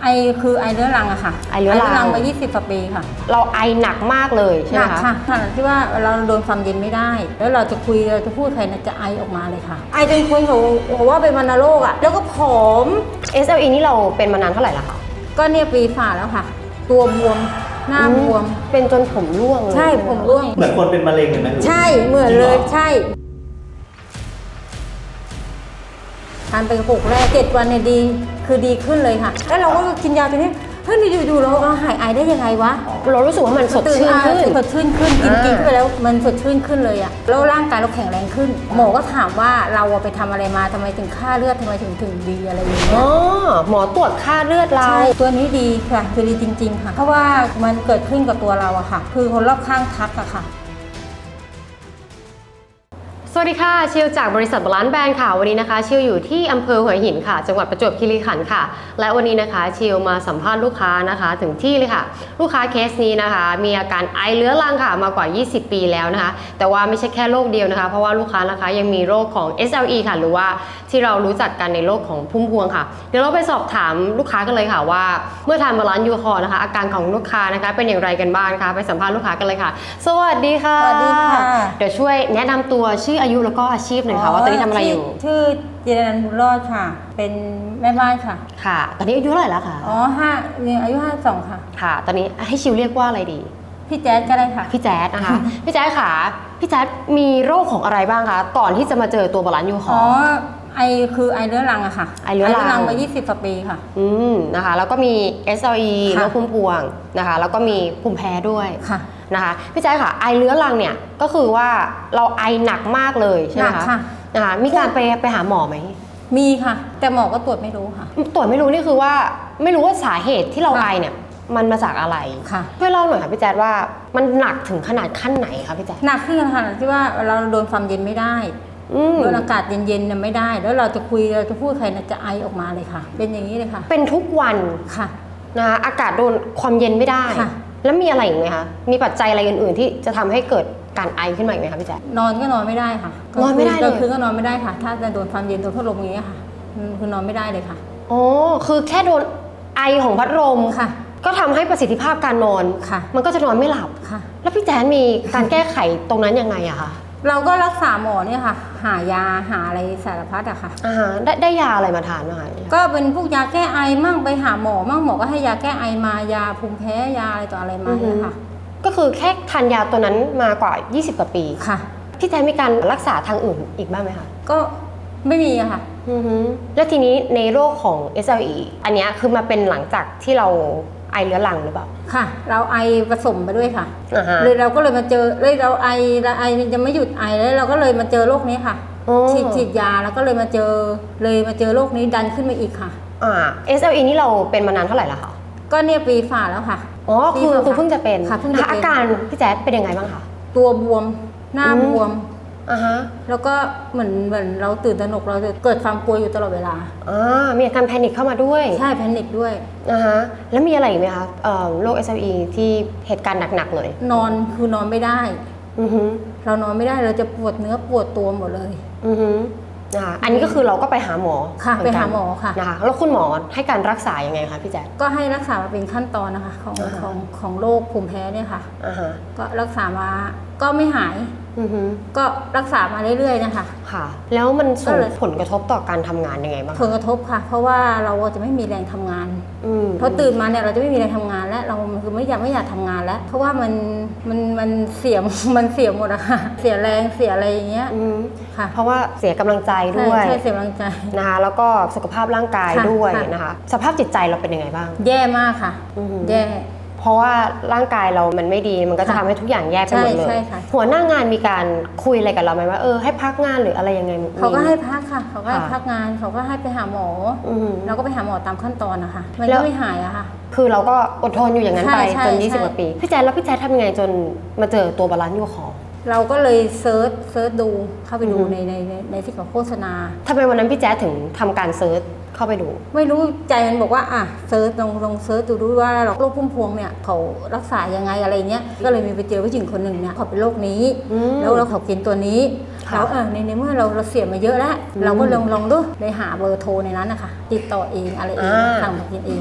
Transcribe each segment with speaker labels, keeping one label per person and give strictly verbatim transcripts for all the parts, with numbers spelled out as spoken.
Speaker 1: ไอคือไอเรื้อรังอะค่ะ
Speaker 2: ไอเรื้อรัง
Speaker 1: มายี่สิบกว่าปีค่ะ
Speaker 2: เราไอหนักมากเลยใช่ไหมคะ
Speaker 1: หนักค่ะขนาดที่ว่าเราโดนความเย็นไม่ได้แล้วเราจะคุยเราจะพูดใครจะไอออกมาเลยค่ะไอจนคนเขาบอกว่าเป็นวัณโรคอะแล้วก็ผอม
Speaker 2: เอส แอล อี นี่เราเป็นมานานเท่าไหร่แล้วคะ
Speaker 1: ก็เนี่ยปีฝ่าแล้วค่ะตัวบวมหน้าบวม
Speaker 2: เป็นจนผมร่วงเลย
Speaker 1: ใช่ผมร่วง
Speaker 3: เหมือนคนเป็นมะเร็งเลยไหม
Speaker 1: ใช่เหมือนเลยใช่ทานไปกระปุกแรกเจ็ดวันเนี่ยดีคือดีขึ้นเลยค่ะแล้วเราก็กินยาตัวนี้เฮ้ยอยู่ๆเราหายไอได้ยังไงวะ
Speaker 2: เรารู้สึกว่ามันสดชื่นขึ้น
Speaker 1: สดชื่นขึ้นกินกินไปแล้วมันสดชื่นขึ้นเลยอะแล้วร่างกายเราแข็งแรงขึ้นหมอก็ถามว่าเราไปทำอะไรมาทำไมถึงค่าเลือดทำไมถึงถึงดีอะไรอย่างเงี้ย
Speaker 2: อ๋อหมอตรวจค่าเลือดเรา
Speaker 1: ใช่ตัวนี้ดีค่ะคือดีจริงๆค่ะเพราะว่ามันเกิดขึ้นกับตัวเราอะค่ะคือคนรอบข้างทักอะค่ะ
Speaker 2: สวัสดีค่ะชิวจากบริษัทบาลานซ์แบรนด์ค่ะวันนี้นะคะชิวอยู่ที่อำเภอหัวหินค่ะจังหวัดประจวบคีรีขันธ์ค่ะและวันนี้นะคะชิวมาสัมภาษณ์ลูกค้านะคะถึงที่เลยค่ะลูกค้าเคสนี้นะคะมีอาการไอเรื้อรังค่ะมากว่ายี่สิบปีแล้วนะคะแต่ว่าไม่ใช่แค่โรคเดียวนะคะเพราะว่าลูกค้านะคะยังมีโรคของ เอส แอล อี ค่ะหรือว่าที่เรารู้จักกันในโรคของพุ่มพวงค่ะเดี๋ยวเราไปสอบถามลูกค้ากันเลยค่ะว่าเมื่อทานบาลานซ์ยูคอร์นะคะอาการของลูกค้านะคะเป็นอย่างไรกันบ้างคะไปสัมภาษณ์ลูกค้ากันเลยค่ะสวัสดีค่ะ
Speaker 1: สวัสดีค่ะ
Speaker 2: เดี๋ยวช่วยแนะนำตัวชื่ออายุแล้วก็อาชีพหน่อยค่ะว่าตอนนี้ทำอะไรอยู่
Speaker 1: ชื่อจิรนันท์บุญรอดค่ะเป็นแม่บ้านค่ะ
Speaker 2: ค่ะตอนนี้อายุเท่าไหร่แล้วคะ
Speaker 1: อ๋อห้าเนี่ยอายุห้าสองค่ะ
Speaker 2: ค่ะตอนนี้ให้ชิวเรียกว่าอะไรดี
Speaker 1: พี่แจ๊ดก็ได้ค่ะ
Speaker 2: พี่แจ๊ดนะคะ พี่แจ๊ดค่ะพี่แจ๊ดมีโรคของอะไรบ้างคะก่อนที่จะมาเจอตัวบาลานซ์ยูคอร์
Speaker 1: อ๋อไอคือไอเรื้อรังอะค่ะ
Speaker 2: ไอเรื้อรัง
Speaker 1: มายี่สิบกว่าปีค่ะ
Speaker 2: อืมนะคะแล้วก็มี เอส แอล อี โรคพุ่มพวงนะคะแล้วก็มีภูมิแพ้ด้วย
Speaker 1: ค่ะ
Speaker 2: นะคะพี่แจ๊ดค่ะไอเรื้อรังเนี่ยก็คือว่าเราไอหนักมากเลยใช่ไหมคะนะคะมีการไปไปหาหมอไหม
Speaker 1: มีค่ะแต่หมอก็ตรวจไม่รู้ค่ะ
Speaker 2: ตรวจไม่รู้นี่คือว่าไม่รู้ว่าสาเหตุที่เราไอเนี่ยมันมาจากอะไร
Speaker 1: ค่ะ
Speaker 2: ช่วยเล่าหน่อยค่ะพี่แจ๊ดว่ามันหนักถึงขนาดขั้นไหนคะพี่แจ๊ด
Speaker 1: หนักขึ้นขนาดที่ว่าเราโดนความเย็นไม่ได้โดนอากาศเย็นๆเนี่ยไม่ได้แล้วเราจะคุยเราจะพูดใครจะไอออกมาเลยค่ะเป็นอย่างนี้เลยค่ะ
Speaker 2: เป็นทุกวัน
Speaker 1: ค่ะ
Speaker 2: นะคะอากาศโดนความเย็นไม่ได้แล้วมีอะไรอีกไหมคะมีปัจจัยอะไรอื่นๆที่จะทำให้เกิดการไอขึ้นมาอีกไหมคะพี่แจ๊ด
Speaker 1: นอนก็นอนไม่ได้ค่ะ
Speaker 2: นอนไม่ได้เลย
Speaker 1: คือก็นอนไม่ได้ค่ะถ้าจะโดนความเย็นโดนพัดลมอย่างเงี้ยค่ะคือนอนไม่ได้เลยค่ะ
Speaker 2: อ๋อคือแค่โดนไอของพัดลม
Speaker 1: ค่ะ
Speaker 2: ก็ทำให้ประสิทธิภาพการนอน
Speaker 1: ค่ะ
Speaker 2: มันก็จะนอนไม่หลับ
Speaker 1: ค่ะ
Speaker 2: แล้วพี่แจ๊ดมีการแก้ไขตรงนั้นยังไงอะคะ
Speaker 1: เราก็รักษาหมอเนี่ยค่ะหายาหาอะไรสารพัดอะค่ะ
Speaker 2: อ่าได้ได้ยาอะไรมาทานบ้างคะ
Speaker 1: ก็เป็นพวกยาแก้ไอมั่งไปหาหมอมั่งหมอก็ให้ยาแก้ไอมายาภูมิแพ้ยาอะไรต่ออะไรมาเนี่ยค่ะ
Speaker 2: ก็คือแค่ทานยาตัวนั้นมากว่ายี่สิบกว่าปี
Speaker 1: ค่ะ
Speaker 2: พี่แจ๊ดมีการรักษาทางอื่นอีกบ้างไหมคะ
Speaker 1: ก็ไม่มีอะค่ะ
Speaker 2: แล้วทีนี้ในโรคของ เอส แอล อี อันนี้คือมาเป็นหลังจากที่เราไอเรื้อรังหรือเปล่า
Speaker 1: ค่ะเราไอผสมไปด้วยค่ะ
Speaker 2: uh-huh.
Speaker 1: เลยเราก็เลยมาเจอเลยเราไอเราไอมันจะไม่หยุดไอแล้วเราก็เลยมาเจอโรคนี้ค่ะ
Speaker 2: oh.
Speaker 1: ฉีดฉีดยาแล้วก็เลยมาเจอเลยมาเจอโรคนี้ดันขึ้นมาอีกค่ะ
Speaker 2: อ่า เอส แอล อี นี่เราเป็นมานานเท่าไหร่แล้วคะ
Speaker 1: ก็เนี่ยปีฝ่าแล้วค่ะ
Speaker 2: อ๋อคือคือเพิ่งจะเป็น
Speaker 1: ค่ะเพิ่งจะเป็น
Speaker 2: อาการพี่แจ๊ดเป็นยังไงบ้างคะ
Speaker 1: ตัวบวมหน้าบวม
Speaker 2: อ่าฮะ
Speaker 1: แล้วก็เหมือนเหมือนเราตื่นตระหนกเราจะเกิดความกลัวอยู่ตลอดเวลา
Speaker 2: อ่ามีอาการแพนิคเข้ามาด้วย
Speaker 1: ใช่แพนิคด้วย
Speaker 2: อ่าฮะแล้วมีอะไรอีกไหมคะเอ่อโรค เอส แอล อี ที่เหตุการณ์หนักๆเลย
Speaker 1: นอนคือนอนไม่ได้
Speaker 2: อือฮึ
Speaker 1: เรานอนไม่ได้เราจะปวดเนื้อปวดตัวหมดเลย
Speaker 2: อือฮึนะคะอันนี้ก็คือเราก็ไปหาหมอ
Speaker 1: ค่ะไปหาหมอค่ะ
Speaker 2: นะคะแล้วคุณหมอให้การรักษายังไงคะพี่แจ๊ค
Speaker 1: ก็ให้รักษามาเป็นขั้นตอนนะคะของของของโรคภูมิแพ้เนี่ยค่ะ
Speaker 2: อ่าฮะ
Speaker 1: ก็รักษามาก็ไม่หายก็รักษามาเรื่อยๆนะคะ
Speaker 2: ค่ะแล้วมันส่งผลกระทบต่อการทำงานยังไงบ้าง
Speaker 1: ผลกระทบค่ะเพราะว่าเราจะไม่มีแรงทำงานเพราะตื่นมาเนี่ยเราจะไม่มีแรงทำงานและเราคือไม่อยากไม่อยากทำงานแล้วเพราะว่ามันมันมันเสียมันเสียหมดอะค่ะเสียแรงเสียอะไรอย่างเงี้ย
Speaker 2: ค่ะเพราะว่าเสียกำลังใจด้วย
Speaker 1: ใช่เสียกำลังใจ
Speaker 2: นะคะแล้วก็สุขภาพร่างกายด้วยนะคะสภาพจิตใจเราเป็นยังไงบ้าง
Speaker 1: แย่มากค่ะแย่
Speaker 2: เพราะว่าร่างกายเรามันไม่ดีมันก็จะทำให้ทุกอย่างแย่ไปหมดเลยหัวหน้างานมีการคุยอะไรกับเราไหมว่าเออให้พักงานหรืออะไรยังไง
Speaker 1: เขาก็ให้พักค่ะเขาก็ให้พักงานเขาก็ให้ไปหาหมอเราก็ไปหาหมอตามขั้นตอนนะคะมันก็ไม่หายอะค่ะ
Speaker 2: คือเราก็อดทนอยู่อย่างนั้นไปจนยี่สิบกว่าปีพี่แจ๊ดแล้วพี่แจ๊ดทำยังไงจนมาเจอตัวบาลานซ์ยูคอร์
Speaker 1: เราก็เลยเซิร์ชเซิร์ชดูเข้าไปดูในในในที่เขาโฆษณา
Speaker 2: ทำไมวันนั้นพี่แจ๊ดถึงทำการเซิร์ชเข้าไปดู
Speaker 1: ไม่รู้ใจมันบอกว่าอ่ะเซิร์ชลองลองเซิร์ชดูดูว่าโรคพุ่มพวงเนี่ยเขารักษายังไงอะไรเงี้ยก็เลยมีไปเจอผู้หญิงคนหนึ่งเนี่ยเขาเป็นโรคนี้แล้วเราเขากินตัวนี้แล้วเออในในเมื่อเราเราเสียมาเยอะแล้วเราก็ลองลองดูเลยหาเบอร์โทรในนั้นนะคะติดต่อเองอะไรเองสั่งมากินเองค่ะ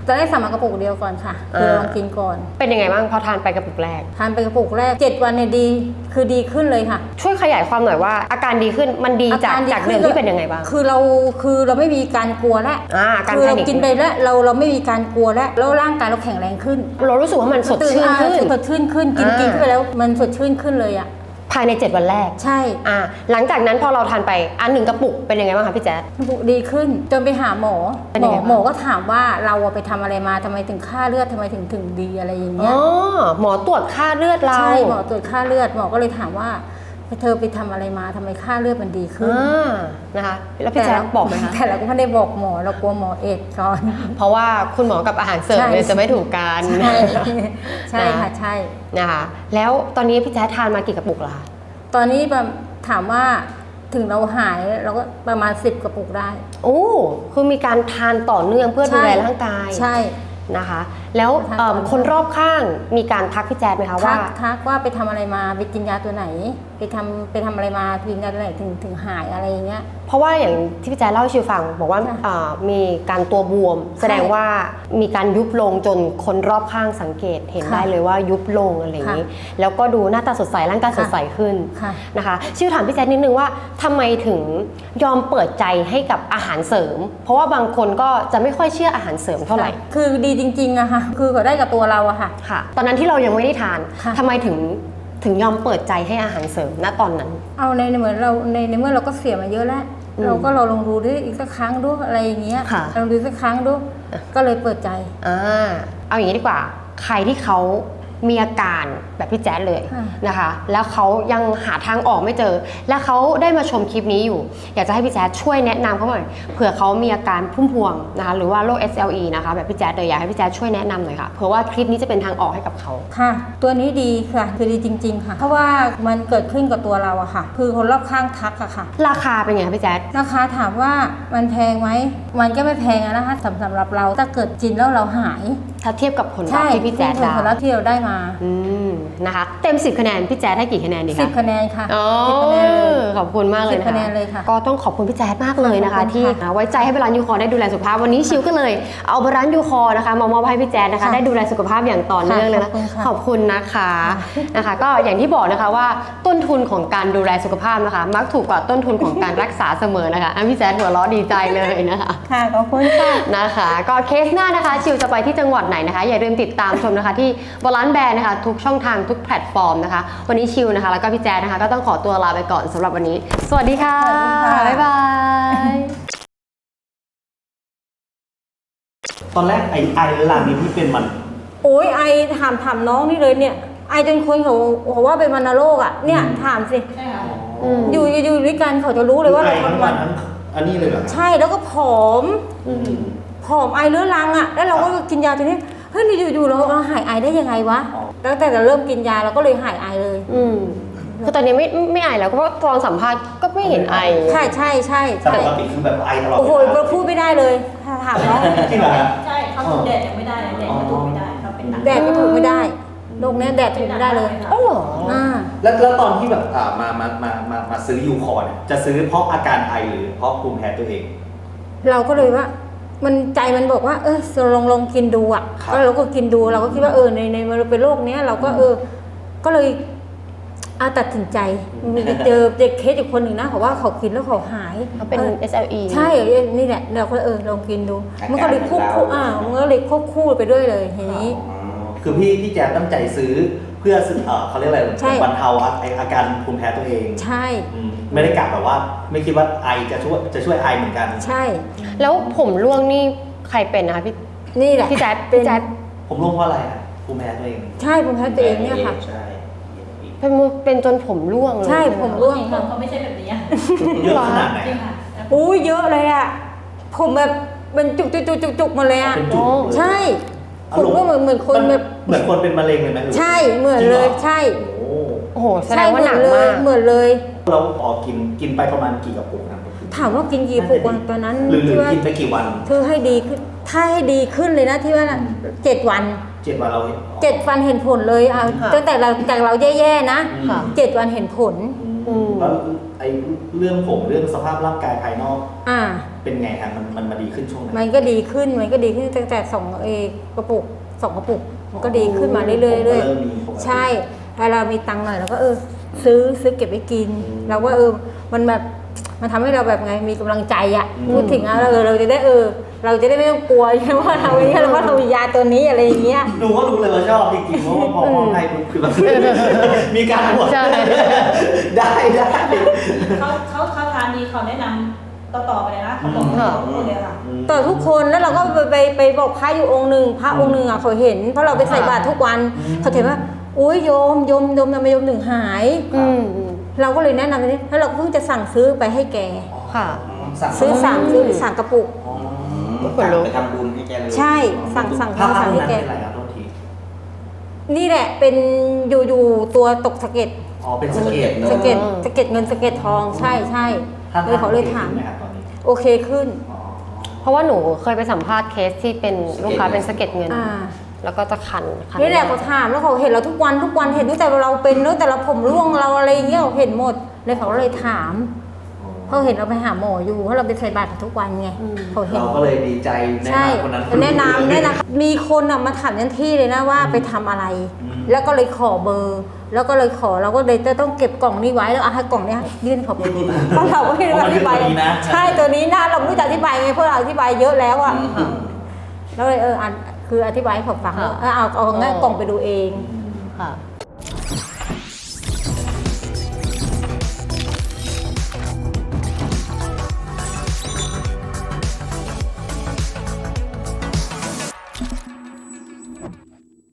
Speaker 1: ตอนแรกสั่งมากระปุกเดียวก่อนค่ะคือลองกินก่อน
Speaker 2: เป็นยังไงบ้างพอทานไปกระปุกแรก
Speaker 1: ทานไปกระปุกแรกเจ็ดวันเนี่ยดีคือดีขึ้นเลยค่ะ
Speaker 2: ช่วยขยายความหน่อยว่าอาการดีขึ้นมันดีจาก
Speaker 1: อร
Speaker 2: จากเดิมที่เป็นยังไงบ้าง
Speaker 1: คือเราคือเราไม่มีการกลัวแล้ว
Speaker 2: อ่าการ
Speaker 1: คือเรา
Speaker 2: แพนิค
Speaker 1: กินไปแล้วเราเราไม่มีการกลัวแล้วแล้วร่างกายเราแข็งแรงขึ้น
Speaker 2: เรารู้สึกว่ามันสดชื่นขึ้น
Speaker 1: สดชื่นขึ้นกิน
Speaker 2: อ่ากิ
Speaker 1: กินเข้าไปแล้วมันสดชื่นขึ้นเลยอ่ะ
Speaker 2: ภายในเจ็ดวันแรก
Speaker 1: ใช่
Speaker 2: อ่าหลังจากนั้นพอเราทานไปอันหนึ่งกระปุกเป็นยังไงบ้างคะพี่แจ๊ด
Speaker 1: ดีขึ้นจนไปหาหมอ
Speaker 2: เป็น
Speaker 1: หม
Speaker 2: ยัง
Speaker 1: อ
Speaker 2: ไงบ้าง
Speaker 1: หมอก็ถามว่าเราอะไปทำอะไรมาทำไมถึงค่าเลือดทำไมถึงถึงดีอะไรอย่าง
Speaker 2: อ๋
Speaker 1: เงี้
Speaker 2: อย หมอตรวจค่าเลือดเรา
Speaker 1: ใช่หมอตรวจค่าเลือดหมอก็เลยถามว่าเธอไปทำอะไรมาทำไมค่าเลือดมันดีขึ้น
Speaker 2: อ่านะคะแล้วพี่แจ๊ดบอกไหมคะ
Speaker 1: แต่เราก็ไม่ได้บอกหมอเรากลัวหมอเอดก่อน
Speaker 2: เพราะว่าคุณหมอกับอาหารเสริม
Speaker 1: ใช่
Speaker 2: เนี่ยจะไม่ถูกกัน
Speaker 1: ใช่ใช่ค่ะใช่
Speaker 2: นะคะแล้วตอนนี้พี่แจ๊ดทานมากี่กระปุกแล้วคะ
Speaker 1: ตอนนี้แบบถามว่าถึงเราหายเราก็ประมาณสิบกระปุกได้
Speaker 2: โอ้คือมีการทานต่อเนื่องเพื่อดูแลร่างกาย
Speaker 1: ใช่
Speaker 2: นะคะ แล้วเอิ่มคนรอบข้างมีการทักพี่แจ๊ดไหมคะ
Speaker 1: ทั
Speaker 2: ว่า
Speaker 1: กทักว่าไปทำอะไรมาไปกินยาตัวไหน ไปทำไปทำอะไรมากินยาตัวไหนถึงถึงหายอะไรอย่างเงี้ย
Speaker 2: เพราะว่าอย่างที่พี่แจ๊ดเล่าให้ชิวฟังบอกว่า
Speaker 1: ค่ะ
Speaker 2: อ่ามีการตัวบวม แสดงว่ามีการยุบลงจนคนรอบข้างสังเกตเห็น
Speaker 1: ค่ะ
Speaker 2: ได้เลยว่ายุบลงอะไรอย่างนี้ แล้วก็ดูหน้าตาสดใสร่างกายสดใสขึ้น
Speaker 1: ค่ะ
Speaker 2: นะคะชิวถามพี่แจ๊ดนิดนึงว่าทำไมถึงยอมเปิดใจให้กับอาหารเสริม เพราะว่าบางคนก็จะไม่ค่อยเชื่ออาหารเสริมเท่าไหร่
Speaker 1: คือดีจริงๆอะค่ะ คือก็ได้กับตัวเราอะค่ะ
Speaker 2: ค่ะ ตอนนั้นที่เรายังไม่ได้ทาน
Speaker 1: ค่ะ
Speaker 2: ทำไมถึงถึงยอมเปิดใจให้อาหารเสริมณตอนนั้น
Speaker 1: เอาในเหมือนเราในในเมื่อเราก็เสียมาเยอะแล้ว
Speaker 2: อืม
Speaker 1: เราก็เราลองดูด้วยอีกสักครั้งดูอะไรอย่างเงี้ย
Speaker 2: ค่ะ
Speaker 1: ลองดูสักครั้งดูก็เลยเปิดใจ
Speaker 2: อ่าเอาอย่างนี้ดีกว่า ใครที่เขามีอาการแบบพี่แจ๊ดเลย
Speaker 1: ค่ะ
Speaker 2: นะคะ แล้วเขายังหาทางออกไม่เจอ แล้วเขาได้มาชมคลิปนี้อยู่ อยากจะให้พี่แจ๊ดช่วยแนะนำเขาหน่อยเผื่อเขามีอาการพุ่มพวงนะคะหรือว่าโรค เอส แอล อี นะคะแบบพี่แจ๊ดเลยอยากให้พี่แจ๊ดช่วยแนะนำหน่อยค่ะเผื่อว่าคลิปนี้จะเป็นทางออกให้กับเขา
Speaker 1: ค่ะ ตัวนี้ดีค่ะคือดีจริง ๆ ค่ะ เพราะว่ามันเกิดขึ้นกับตัวเราอะค่ะ คือคนรอบข้างทักอะค่ะ
Speaker 2: ราคาเป็นไงคะพี่แจ๊ด
Speaker 1: ราคาถามว่ามันแพงไหมมันก็ไม่แพงอะนะคะสำสำหรับเราถ้าเกิดกินแล้วเราหาย
Speaker 2: ถ้าเทียบกับผลลัพธ์ที่พี่แจ๊ด
Speaker 1: ผ
Speaker 2: ได้
Speaker 1: ลลัพธ์ที่เราได้มา
Speaker 2: อืมนะคะ เต็มสิบคะแนนพี่แจ๊ดให้กี่คะแนนดีคะ
Speaker 1: สิบคะแนนค่ะ
Speaker 2: อ๋อ
Speaker 1: สิบคะแนนเลย
Speaker 2: ขอบคุณมากเลย
Speaker 1: สิบ
Speaker 2: นะคะ
Speaker 1: คะแนนเลยค่ะ
Speaker 2: ก็ต้องขอบคุณพี่แจ๊ดมากเลยนะคะ
Speaker 1: ขอบคุณ
Speaker 2: ที่
Speaker 1: ค่ะ
Speaker 2: ไว้ใจให้บาลานซ์ยูคอร์ได้ดูแลสุขภาพวันนี้ชิวก็เลยเอาบาลานซ์ยูคอร์นะคะมามอบให้พี่แจ๊ดนะคะ
Speaker 1: ค่ะ
Speaker 2: ได้ดูแลสุขภาพอย่างต่อเนื่องเลยนะ
Speaker 1: ค่ะ
Speaker 2: ขอบคุณนะคะนะคะ ก็อย่างที่บอกนะคะว่าต้นทุนของการดูแลสุขภาพนะคะ มักถูกกว่าต้นทุนของการรักษาเสมอนะคะอ่ะพี่แจ๊ดหัวเราะดีใจเลยนะคะ
Speaker 1: ค่ะขอบคุณค่ะ
Speaker 2: นะคะก็เคสหน้านะคะชิวจะไปที่จังหวัดไหนนะคะ อย่าลืมติดตามชมนะคะที่บาลานซ์แบรนด์นะคะทุกช่องทางทุกแพลตฟอร์มนะคะวันนี้ชิวนะคะแล้วก็พี่แจ๊ดนะคะก็ต้องขอตัวลาไปก่อนสำหรับวันนี้ สวัสดีค่ะ
Speaker 1: สวัสดีค่ะ
Speaker 2: บ๊ายบาย
Speaker 3: ตอนแรกไอไอเรื้อรังนี้ที่เป็นมัน
Speaker 1: โอ้ยไอถามถามน้องนี่เลยเนี่ย ไอจนคนเขาเขาว่าเป็นวัณโรคอ่ะเนี่ยถามสิ
Speaker 2: อืม
Speaker 1: อยู่อยู่อยู่ด้วยกันเขาจะรู้เลยว่า
Speaker 3: ไอ
Speaker 1: เรา
Speaker 3: ทั้ง
Speaker 1: ทำ
Speaker 3: วั
Speaker 1: วัน น
Speaker 3: ทั้งอันนี้เลยเหรอ
Speaker 1: ใช่แล้วก็ผอม
Speaker 3: อืม
Speaker 1: ผอมไอเรื้อรังอ่ะแล้วเราก็กินยาตัวนี้เฮ้ยนี่อยู่ๆเราเอาหายไอได้ยังไงวะ
Speaker 3: อ๋อ
Speaker 1: ตั้งแต่เราเริ่มกินยาเราก็เลยหายไอเลย
Speaker 2: อืมคือตอนนี้ไม่ไม่ไอแล้วเพราะว่าตอนสัมภาษณ์ก็ไม่เห็นไอ
Speaker 1: ใช่ใช่ใช่
Speaker 3: แต่
Speaker 1: ใช่
Speaker 3: ปกติคือแบบไอตลอด
Speaker 1: โอ้โห
Speaker 3: เวลา
Speaker 1: เราพูดไม่ได้เลยถ้าถามน้อง
Speaker 3: จริงเหรอฮะ
Speaker 4: ใช่เขาถูกแดดยังไม่ได้เลยแดดก็ถูกไม่ได้เขาเป็นหนัก
Speaker 1: แดดก็ถูกไม่ได้โรคเนี้ยแดดถูกไม่ได้เลย
Speaker 2: อ๋อเหรอ
Speaker 1: อ่า
Speaker 3: แล้วแล้วตอนที่แบบอ่ามามามามามาซื้อยูคอร์เนี่ยจะซื้อเพราะอาการไอหรือเพราะภูมิแพ้ตัวเอง
Speaker 1: เราก็เลยว่า มันใจมันบอกว่า เออลองลองกินดูอ่ะ
Speaker 3: ครับ
Speaker 1: ก็เราก็กินดูเราก็คิดว่าเออในในมันเป็นโรคเนี้ยเราก็เออ ก็เลยเอาตัดสินใจมีเจอเจอเคสอีกคนหนึ่งนะเขาว่าเขากินแล้วเขาหาย
Speaker 2: เขาเป็น
Speaker 1: ออ
Speaker 2: เอส แอล อี
Speaker 1: ใช่นี่แหละเราก็เออลองกินดู
Speaker 3: อาการ
Speaker 1: มันก็เลยควบคู่
Speaker 3: เหมือนเรา
Speaker 1: อ่ามันก็เลยควบคู่ไปด้วยเลยทีนี้
Speaker 3: อ๋อคือพี่พี่แจ๊ดตั้งใจซื้อเพื่อซื้อเออเขาเรียกอะไร
Speaker 1: ใช่
Speaker 3: บรรเทาอาอาการภูมิแพ้ตัวเอง
Speaker 1: ใช่
Speaker 3: อืมไม่ได้กะแบบว่า ไม่คิดว่าไอจะช่วยจะช่วยไอเหมือนกัน
Speaker 1: ใช่
Speaker 2: แล้วผมร่วงนี่ใครเป็นนะคะพี่
Speaker 1: นี่แหละ
Speaker 2: พี่แจ๊ด
Speaker 1: เป็น
Speaker 2: พี่แจ๊ด
Speaker 3: ผมรู้เพราะอะไรอะภูมิแพ้ตัวเอง
Speaker 1: ใช่ผมแพ้ตัวเองเนี่ยค่ะ
Speaker 3: ใช่
Speaker 2: เป็นเป็นจนผมร่วงเลย
Speaker 1: ใช่
Speaker 2: ไห
Speaker 1: ผมร่วง
Speaker 4: คนเขาไม่ใช่แบบนี้อะ
Speaker 3: เยอะขนาดไหน
Speaker 4: จริง
Speaker 3: อะ
Speaker 4: ค่ะ
Speaker 1: อุ้ยเยอะเลยอ่ะผมแบบเป็นจุกจุกจุกจุกจุกมาเลยอ่ะ
Speaker 3: เป็นจุดเลย
Speaker 1: ใช่ผมก็เหมือนเหมือนคนแบบ
Speaker 3: เหมือนคนเป็นมะเร็งเลยไหมหรือ
Speaker 1: ใช่เหมือนเลยใช่
Speaker 3: โอ้
Speaker 2: โอ้โหแสด
Speaker 1: ใช่
Speaker 2: ง
Speaker 1: เห
Speaker 2: ว่า
Speaker 1: มื
Speaker 2: หนั
Speaker 1: อน
Speaker 2: ก
Speaker 1: เลย
Speaker 2: มาก
Speaker 1: เหมือนเลย
Speaker 3: เราพอกินกินไปประมาณกี่กระปุกนะ
Speaker 1: ถามว่ากินกี่ปุกวันตอนนั้น
Speaker 3: หรือหรือ
Speaker 1: ที่ว่า
Speaker 3: กินไปกี่วัน
Speaker 1: คือให้ดีขึ้นถ้าให้ดีขึ้นเลยนะที่ว่าเจ็ดวัน
Speaker 3: เจ็ดวันเราเห็น
Speaker 1: เจ็ดวันเห็นผลเลยอ่ะ
Speaker 2: ค่ะ
Speaker 1: ตั้งแต่เราจากเราแย่ๆนะ
Speaker 3: ค่ะ
Speaker 1: เจ็ดวันเห็นผล
Speaker 3: อืม
Speaker 2: อืม
Speaker 3: แล้วไอ้เรื่องผมเรื่องสภาพร่างกายภายนอก
Speaker 1: อ่า
Speaker 3: เป็นไงฮะมันมันมาดีขึ้นช่วงไหน
Speaker 1: มันก็ดีขึ้นมันก็ดีขึ้นตั้งแต่สองเอกกระปุกสองกระปุกมันก็ดีขึ้นมาเรื่อยๆเรื่อย
Speaker 3: ผมก็เริ่มมีปกติ
Speaker 1: ๆใช่ถ้าเรามีตังค์หน่อยเราก็เออ ซื้อซื้อเก็บไว้กิน
Speaker 3: อืม
Speaker 1: เราว่าเออมันแบบมันทำให้เราแบบไงมีกำลังใจอะ
Speaker 3: อืม
Speaker 1: พูดถึงอะเราเออเราจะได้เออ เราจะได้ไม่ต้องกลัวใช่ไหมว่าเราอย่างเงี้ยเราว่าเรามียาตัวนี้อะไรอย่างเงี้ย
Speaker 3: ดูก็รู้เลยว่าชอบจริงๆเพราะว่าพอมองให้ปุ๊บคือแบบ มีการบวก
Speaker 2: ใช่
Speaker 3: ได้ได้
Speaker 4: เขาเขาเขาทานดีเขาแนะนำต่อๆไปเลยนะเขาบอกเขาพูดเลยค่ะ
Speaker 1: ต่อทุกคนแล้วเราก็ไปไปไปบอกพระอยู่องค์หนึ่งพระองค์หนึ่งอ่ะเขาเห็นเพราะเราไปใส่บาตรทุกวัน
Speaker 3: อืม
Speaker 1: เขาเห็นว่าอุ้ยโยมโยมโยมทำไมโยมหนึ่งหาย
Speaker 2: อืมอืม
Speaker 1: เราก็เลยแนะนำนี้แล้วเราเพิ่งจะสั่งซื้อไปให้แก
Speaker 2: ค่ะ
Speaker 3: สั่ง
Speaker 1: ซื้อสามซื้อสั่งกระปุก
Speaker 3: อ๋อ
Speaker 2: ขนลุก
Speaker 5: ไปทำบุญให้แกเลย
Speaker 1: ใช่สั่งสั่ง
Speaker 3: ภาพ
Speaker 1: สั่งให้
Speaker 3: นั้น
Speaker 1: แก
Speaker 3: เป็นอะไรครับโทษที
Speaker 1: นี่แหละเป็นอยู่อยู่ตัวตกสะเก็ด
Speaker 3: อ๋อเป็นสะเก็ดเนอะ
Speaker 1: สะเก็ด
Speaker 2: อืม
Speaker 1: สะเก็ดเงินสะเก็ดทองใช่ใช่
Speaker 3: ท่าน
Speaker 1: เลยเขาเลยถาม
Speaker 3: โอคขึ้นไหครับตอนนี้
Speaker 1: โอเคขึ้น
Speaker 3: อ๋อ
Speaker 2: เพราะว่าหนูเคยไปสัมภาษณ์เคสที่เป็นลูกค้าเป็นสะเก็ดเงิน
Speaker 1: อ่า
Speaker 2: แล้วก็จะคันคัน
Speaker 1: นี่แหละเขาถามแล้วเขาเห็นเราทุกวันทุกวันเห็นตั้งแต่เราเป็นตั้งแต่เราผมร่วงเราอะไรอย่างเงี้ยเขาเห็นหมดเลยเขาเลยถามเขาเห็นเราไปหาหมออยู่เพราะเราไปใส่บาตรทุกวันไงเขาเห็น
Speaker 3: เราก็เลยดีใจแนะ
Speaker 1: ใช่
Speaker 3: นำคนนั้น
Speaker 1: แนะนำแนะนำมีคนอ่ะมาถามยันที่เลยนะว่าไปทำอะไร
Speaker 3: อืม
Speaker 1: แล้วก็เลยขอเบอร์ แล้วก็เลยขอเราก็เลยจะต้องเก็บกล่องนี้ไว้แล้วเอาให้กล่องเนี้ยยื่นเขาไปเพราะเราก็ไม่รู้อธิบาย
Speaker 3: เพราะมันคือตัวนี้นะ
Speaker 1: ใช่ตัวนี้นะเราไม่รู้จะอธิบายไงเพราะเราอธิบายเยอะแล้วอ่ะ
Speaker 3: อืม
Speaker 1: แล้วเลยเอออ่านคืออธิบายให้เขาฟังว่าเออเอาเอางั้นกล่องไปดูเอง
Speaker 2: ค่ะ